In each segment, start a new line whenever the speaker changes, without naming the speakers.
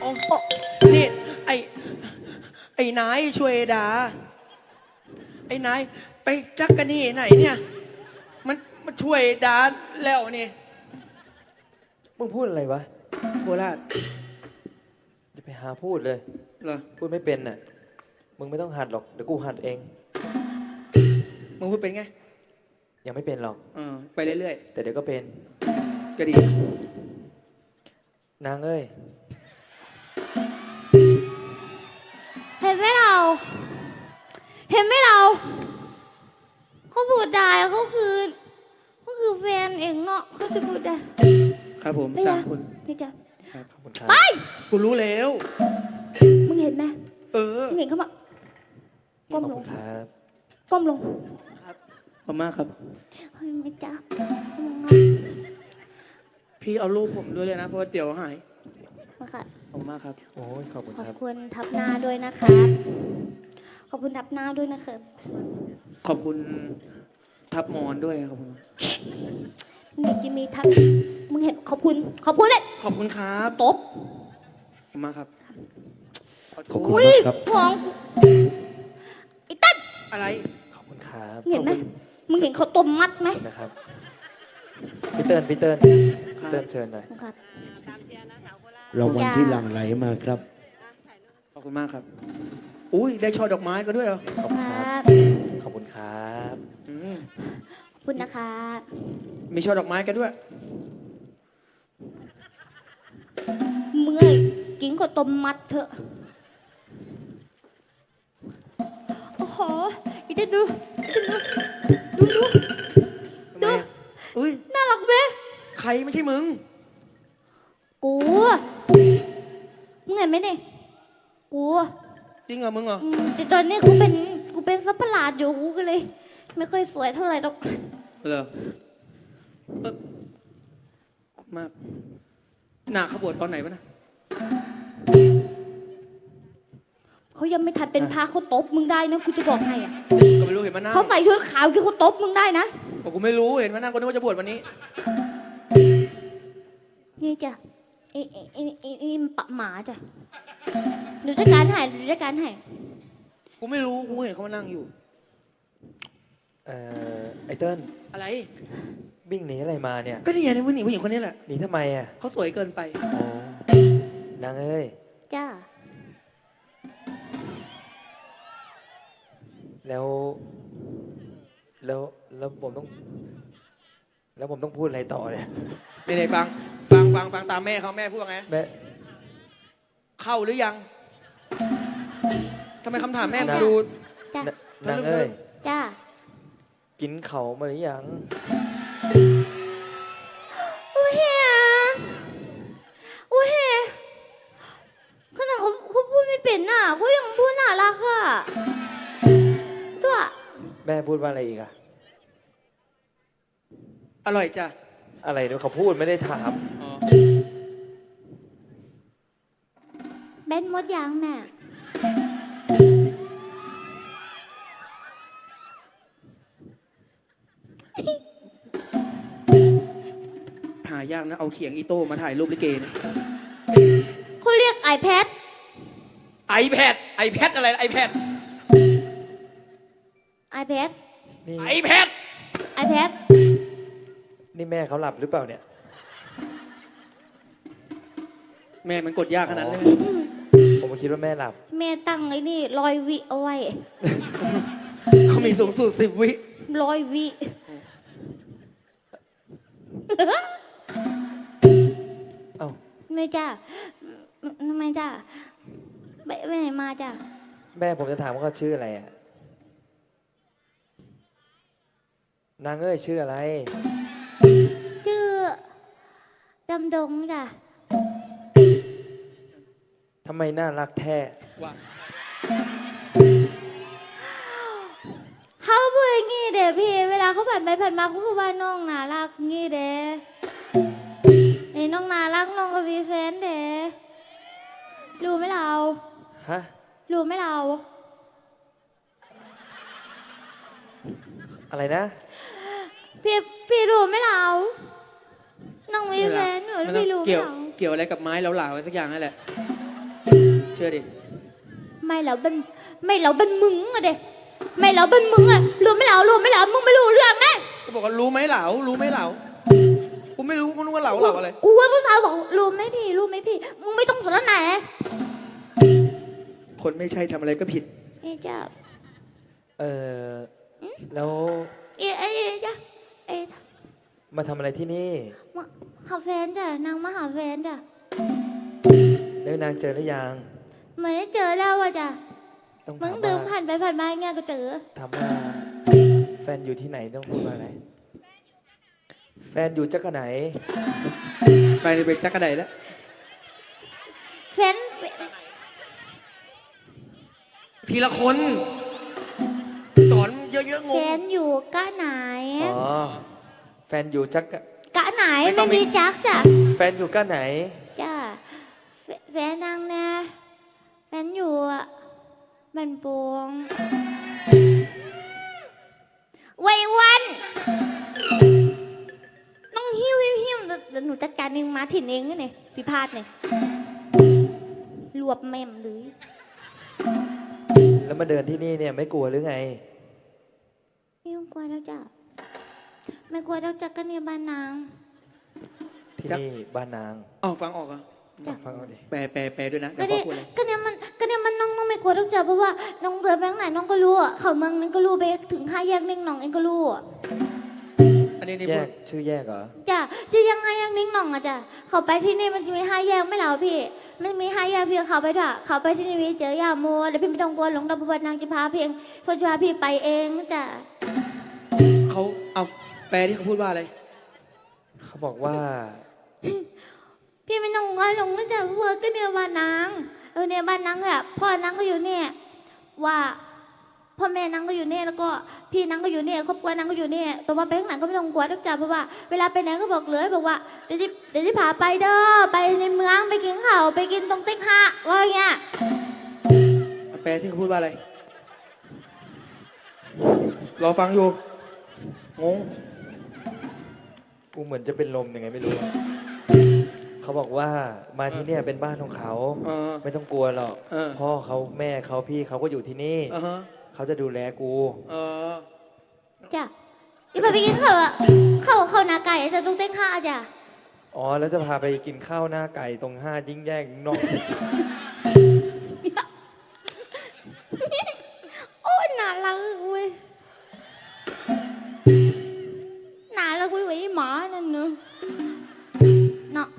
นี่ไอ้นายช่วยดาไอ้นายไปจักกันนี่ไหนเนี่ยมันช่วยดาแล้วนี่
มึงพูดอะไรวะ
โคราช
จะไปหาพูดเลย
เหรอ
พูดไม่เป็นน่ะ มึงไม่ต้องหัดหรอก เดี๋ยวกูหัดเอง
มึงพูดเป็นไง
ยังไม่เป็นหรอก
ไปเรื่อย
แต่เดี๋ยวก็เป็น
ๆก็ดี
นางเอ้ย
เห็นไหมเราเขาพูดได้เขาคือแฟนเองเนาะเขาจะพูดได้
ครับผม
ไม่
สา
ได้
มคน
นี่จ้ะ
ครับ
ขอบคุณครับ
ไป
กูรู้แล้ว
มึงเห็นไหม มึงเห็นเขามา
ข
ก้
อบ
มล
คุ
ง
ณครับ
ก้มลง
ครับขอบมากครับ
เฮ้ยไม่จ้ะ
พี่เอารูปผมด้วยเลยนะเพราะว่าเดี๋ยวหาย
มาค่ะ
ขอบมากครับ
โอ้ยขอบคุณ
ขอบ
ครับ
คุณทับหน้าด้วยนะครับขอบคุณทับหน้าด้วยนะครับ
ขอบคุณทับมอนด้วยขอบคุณ
มึงจะมีทับมึงเห็นขอบคุณเลย
ขอบคุณครับ
ตบ
ขอบคุณมากครับ
ขอบคุณ
อุ้ย
ครับ
ของไอ้ตั้น
อะไร
ขอบคุณครับ
เห็นไหม
ขอบคุณ
มึงเห็นเขาต้มมัดไหม
ขอบคุณนะครับ พี่เติ้ลพี่เติ้ล
ครับ
เติ้ลเชิญหน่อย
ครับ
รางวัลที่หลั่งไหลมาครับ
ขอบคุณมากครับ อุ้ยได้ช่อดอกไม้ก็ด้วยเหรอ
ขอบคุณ
ค
ค
รั
รับ
บ
ขอบคุณครับ
อืม
ขอบคุณนะครับ
มีช่อดอกไม้กันด้วย
เมื่อยกินข้าวต้มมัดเถอะโอ้โหอีเดนดูดู
ทำไมอะอุ้ย
น่ารักไหม
ใครไม่ใช่มึง
กูมึงเห็นไหมเนี่ยกู
จริงเหรอมึงเหรอ
แต่ตอนนี้กูเป็นสัตว์ประหลาดอยู่กูก็เลย ไม่ค่อยสวยเท่าไหร่หรอก
เหรอขอบคุณมากหนาขบวชตอนไหนวะนะ
เขายังไม่ทันเป็นพระเขาตบมึงได้นะกูจะบอกให้อะ
ก็ไม่รู้เห็นมานั่ง
เขาใส่ชุดขาวคือเขาตบมึงได้นะ
บอกกูไม่รู้เห็นมานั่งก็นึกว่าจะบวชวันนี้
นี่จ้ะไอ้ปะหมาจ้ะหนูจัดการให้
กูไม่รู้กูเห็นเขามานั่งอยู่
ไอเติ้ล
อะไร
วิ่งหนีอะไรมาเนี่ย
ก็นี่ไงผู้หญิงคนนี้แหละ
หนีทำไมอ่ะ
เขาสวยเกินไป
โอ้นางเอ้ย
จ้า
แล้วแล้วผมต้อง แล้วผมต้องพูดอะไรต่อเนี่ย
ไหนๆฟังตามแม่เขาแม่พูดว่าไง
แม่
เข้าหรือยังทำไมคำถามแม่มัน
นะ
ดู
จ้า
นางเอ้ย
จ้า
กินเขามาหรือยัง
โอ้เฮียขนาดเขาพูดไม่เป็นน่ะเขายังพูดน่ารักอ่ะตัว
แม่พูดว่าอะไรอีกอะ
อร่อยจ้ะ
อะไรเนี่ยเขาพูดไม่ได้ถาม
อ๋อ
เบนหมดยังแม่
หายากนะเอาเขียงอีโต้มาถ่ายรูปลิเกเนี่ย
เขาเรียก iPad
iPad อะไร iPad
iPad
นี่
iPad
iPad
นี่แม่เขาหลับหรือเปล่าเนี่ย
แม่มันกดยากขนาดนั้นเลย
ผมก็คิดว่าแม่หลับ
แม่ตั้งไอ้นี่100 วิเอาไว้
เขามีสูงสุด10 วิ
100 วิ
เอ้า
ไม่จ้าทำไมจ้าไปไหนมาจ้า
แม่ผมจะถามว่าเขาชื่ออะไรอะนางเอ้ยชื่ออะไร
ชื่อดำดงจ้ะ
ทำไมน่ารักแท้
ว่า
เขาพูดอย่างงี้เด้พี่เวลาเขาผ่านไปผ่านมาเขาพูดว่าน้องน่ารักงี้เด้นี่น้องน่ารักน้องก็มีแฟนเด้รู้ไหมเรา
ฮะ
รู้ไหมเรา
อะไรนะ
พี่รู้ไหมเราน้องมีแฟนหนู
มัน
พี่รู้ไหม
เกี่ยว
เรา
เกี่ยวอะไรกับไม้เหลาๆอะไรสักอย่างนั่นแหละชื่อดิ
ไม่แล้วเป็นมึงอะเด็ไม่แล้วเป็นมึงอะรู้ไม่แล้วมึงไม่รู้เรื่องไง
ก็บอกว่ารู้ไหมเหลารู้ไหมเหลากูไม่รู้กูนึกว่าเหลาอะไร
อู้ยผู้สาวบอกรู้ไหมพี่มึงไม่ต้องสนไหน
คนไม่ใช่ทำอะไรก็ผิด
เอ๊ะจ้า
เออแล้ว
เอ๊ะจ้าเอ๊ะ
มาทำอะไรที่นี่
มาหาแฟนจ้ะนางมาหาแฟนจ้ะ
แล้วนางเจอหรือยัง
ไม่ได้เจอแล้วอะจ้ะ
ต้อง
มึ
ถาง ม
เดิ
ว่าน
ผ่านไปผ่านมาอย่างเงี้ยก็เจอ
ถามว่าแฟนอยู่ที่ไหนต้องพูดว่าอะไร แฟนอยู่จักรไหน
ไปนี่เป็นจักรไดแล้ว
แฟน
ทีละคน สอนเยอะๆง
แฟ
ง
นอยู่กะไหน
อ๋อ แฟนอยู่จักร
กะไหน
ไม่ต้
ไม่
องมี
มีจักจ้ะ
แฟนอยู่ก้าไหน
จ้ะแฟนนางนะแฟนอยู่อะบันปวงไว้วันน้องหิ้วเดี๋ยวหนูจัดการเองมาถิ่นเองนี่พิพาทเนี่ยรวบแม่มเลย
แล้วมาเดินที่นี่เนี่ยไม่กลัวหรือไง
ไม่ต้องกลัวแล้วจ้ะไม่กลัวแล้วจ้ะก็เนี่ยบ้านนาง
ที่นี่บ้านนาง
อ๋อฟังออกเหรอ่ะ
จ้ะ
ฟังเอาดิ
แปลด้วยนะ
ก็
เดี๋ยว
เนี่ย
พ่อพูดเลย
ก็เนี่ยมันน้องไม่กลัวแล้วจ้ะเพราะว่าน้องเดินไปทางไหนน้องก็รู้อะเขาเมืองนั้นก็รู้ไปถึงห้าแยกนิ่งหนองเองก็รู้อะ
อันนี้นี่
แย
พู
ก
ด
ชื่อแยกเหรอ
จ้ะจะยังไงยังนิ่งหนองอะจ้ะเขาไปที่นี่มันจะมีห้าแยกไม่เหรอพี่มันมีห้าแยกพี่เขาไปด้วยเขาไปที่นี่พี่เจอยาโมแล้วพี่ไม่ต้องกลัวหลงดาวบัวนางจะพาเพียงพอจะพาพี่ไปเองจ้ะ
เขาเอาแปลที่เขาพูดว่าอะไร
เขาบอกว่า
พี่ไม่ต้องกลัวหลงนะจ้ะเพราะว่าก็เนี่ยบ้านนางเนี่ยบ้านนางแบบพ่อนางก็อยู่เนี่ยว่าพ่อแม่นางก็อยู่เนี่ยแล้วก็พี่นางก็อยู่เนี่ยครอบครัวนางก็อยู่เนี่ยแต่ว่าไปข้างหลังก็ไม่ต้องกลัวทุกจ้ะเพราะว่าเวลาไปไหนก็บอกเลยบอกว่าเดี๋ยวที่พาไปเด้อไปในเมืองไปกินข้าวไปกินตรงติ๊กฮะว่าอย่างเงี้ย
แปลที่เขาพูดว่าอะไร รอฟังอยู่ งง
กูเหมือนจะเป็นลมยังไงไม่รู้ เขาบอกว่ามาที่เนี่ยเป็นบ้านของเขา
เออ
ไม่ต้องกลัวหรอก
เออ
พ่อเขาแม่เขาพี่เขาก็อยู่ที่นี่
อ่าฮะ
เขาจะดูแลกู
เออ
จ้ะที่พาไปกินข้าวอะข้าวหนาไก่จะตรงติ๊กฮะจ้ะ
อ๋อ แล้วจะพาไปกินข้าวหน้าไก่ตรงห้ายิ่งแยกนอก
โอ้ยน่ารักเว้ยน่ารักเว้ยไอ้หมานั่นเนอะเนาะ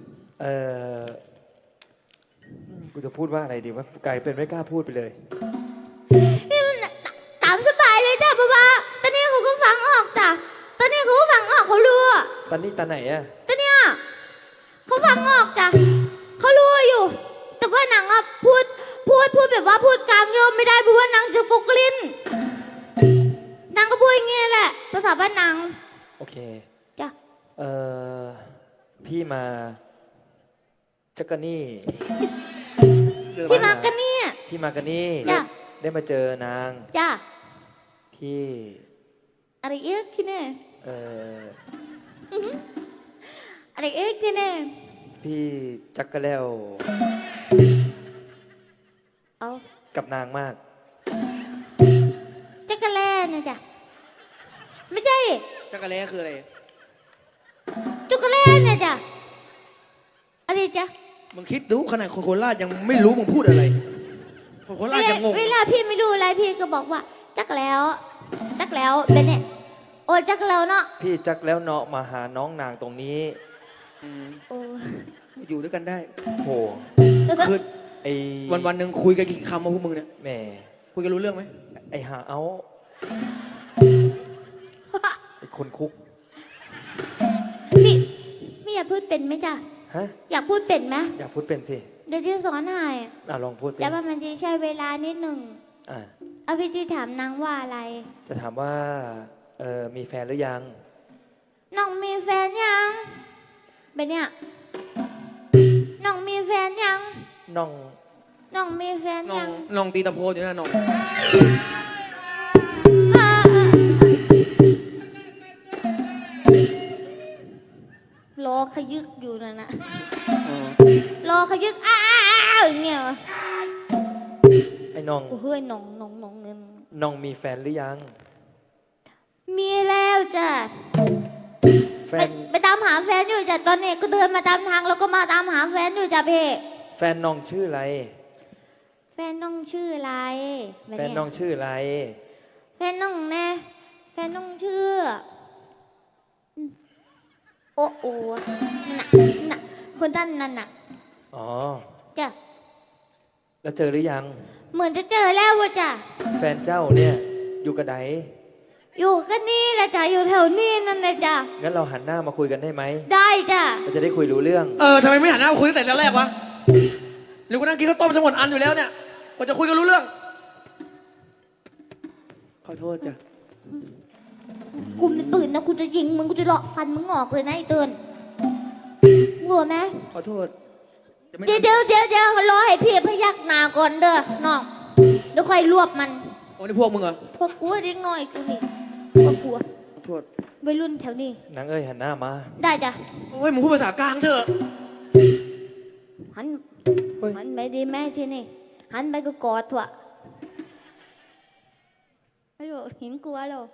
กูจะพูดว่าอะไรดีว่าไก่เป็นไม่กล้าพูดไปเลย
พี่มันตามสบายเลยจ้ะป๊าป๊าตอนนี้เขาก็ฟังออกจ้ะตอนนี้เขาก็ฟังออกเขารู้อะ
ตอนนี้ตาไหนอะ
ตอนเนี้ยเขาฟังออกจ้ะเขารู้อยู่ แต่ว่าหนังอะพูดแบบว่าพูดกลางโยมไม่ได้เพราะว่าหนังจะกุกลิ้นนางก็พูดอย่างเงี้ยแหละภาษาบ้านนาง
โอเค
จ้ะ
เอ่อ พี่มาจักรนี่
พี่มากันเนี่ย
พี่มากันนี่
จ้ะ
ได้มาเจอนาง
จ้ะ
พี่
อะไรเอ๊ะที่เนี่ย
เอ่อ
อะไรเอ๊ะที่เนี่ย
พี่จักกะแล้ว
เอา
กับนางมาก
จักรแล่เนี่ยจ้ะไม่ใช่
จักรแล้คืออะไร
จักรแล่เนี่ยจ้ะอะไรจ้ะ
มึงคิดดูขนาดคนโคราชยังไม่รู้มึงพูดอะไร คนโคราชยังงง
เวลาพี่ไม่รู้อะไรพี่ก็บอกว่าจักแล้วเป็นเนี่ยโอ้จักแล้วเนาะ
พี่จักแล้วเนาะมาหาน้องนางตรงนี้
อืม
โอ้
อยู่ด้วยกันได้
โห
คือ
ไอ
วันหนึ่งคุยกันกี่คำมาพวกมึงเนี่ย
แหม่
คุยกันรู้เรื่องไหม
ไอหาเอาไอคนคุก
พี่อยากพูดเป็นไหมจ้ะ
ฮะ
อยากพูดเป็นไหม
อยากพูดเป็นสิ
เดี๋ยวที่สอนให้
ลองพูดสิ
แต่ว่ามันจะใช้เวลานิดหนึ่ง
อ่ะ
เอาพี่จีถามนางว่าอะไร
จะถามว่า มีแฟนหรือยัง
น้องมีแฟนยังเป็นเนี่ยน้องมีแฟนยัง
น้อง
น้องมีแฟน
น้อ
ยัง ง
น้องตีตะโพนอยู่นะน้อง
อ่าๆรอขยึกอยู่นั่นนะ
อ๋อ
รอขยึกอ้าวอย่างเงี้ยวะ
ไอ้น้อง
โอ้เฮ้ยน้องเงิน
น้องมีแฟนหรือยัง
มีแล้วจ้ะ
แฟ
ไป
น
ไปตามหาแฟนอยู่จ้ะตอนนี้ก็เดินมาตามทางแล้วก็มาตามหาแฟนอยู่จ้ะพี่
แฟนน้องชื่ออะไร
แฟนน้องชื่ออะไรบบ
แฟน
เย
น้องชื่ออะไร
แฟนน้องแน่แฟนน้องชื่อโอ้โอ้นั่นน่ะคนท่านนั่นน่ะ
อ๋อ
จ้ะ
แล้วเจอหรือยัง
เหมือนจะเจอแล้วว่ะจ้ะ
แฟนเจ้าเนี่ยอยู่กับไหน
อยู่กันนี่แหละจ้ะอยู่แถวนี้นั่นแหละจ้ะ
งั้นเราหันหน้ามาคุยกันได้ไหม
ได้จ้ะ
เราจะได้คุยรู้เรื่อง
ทำไมไม่หันหน้ามาคุยตั้งแต่แรกวะหรือกูนั่งกินข้าวต้มจะหมดอันอยู่แล้วเนี่ยกว่าจะคุยกันรู้เรื่อง
ขอโทษจ้ะ
กูมีปืนนะกูจะยิงมึงกูจะเลาะฟันมึงออกเลยนะไอ้เตือนกลัวไหม
ขอโทษจะไม่
เดี๋ยวรอให้พี่พยักหน้าก่อนเด้อน้องเดี๋ยวค่อยรวบมัน
โอ้นี่พวกมึงเหรอ
พวกกูเด็กน้อยกูนี่พวกกู
ขอโทษ
วัยรุ่นแถวนี้
นางเอ้ยหันหน้ามา
ได้จ้ะ
โอ้ยมึงพูดภาษากลางเถอะ
หัน
เฮ้ย
หันไปดีแม่ที่นี่หันไปก็กอดถั่วไม่รู้เห็นกลัวแล้ว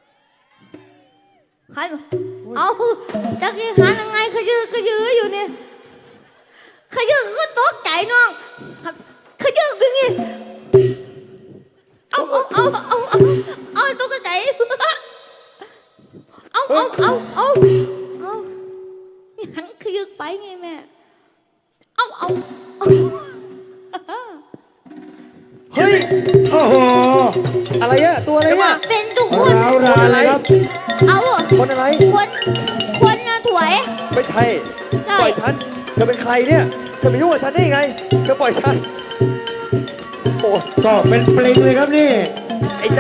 หันเอาจะกี้หันยังไงขยื้ออยู่เนี่ยขยื้อก็ตกใจน้องขยื้ออย่างงี้เอาตกใจเอาหันขยื้อไปไงแม่เอา
เฮ้ย
โอ้โห
อะไรอะตัวอะไรเนี่ย
เป็นทุกคน
ร้าวรานเลยครับ
เอา
คนอะไร
คนนะถวย
ไม่ใช่
ใช่
ปล่อยฉัน เธอเป็นใครเนี่ย เธอไปยุ่งกับฉันได้ยังไง เธอปล่อยฉัน โอ้
ก็เป็นปลิงเลยครับนี่
ไอ้นา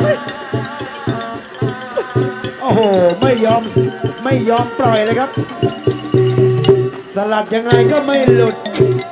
โอ้โห ไม่ยอมปล่อยเลยครับ สลัดยังไงก็ไม่หลุด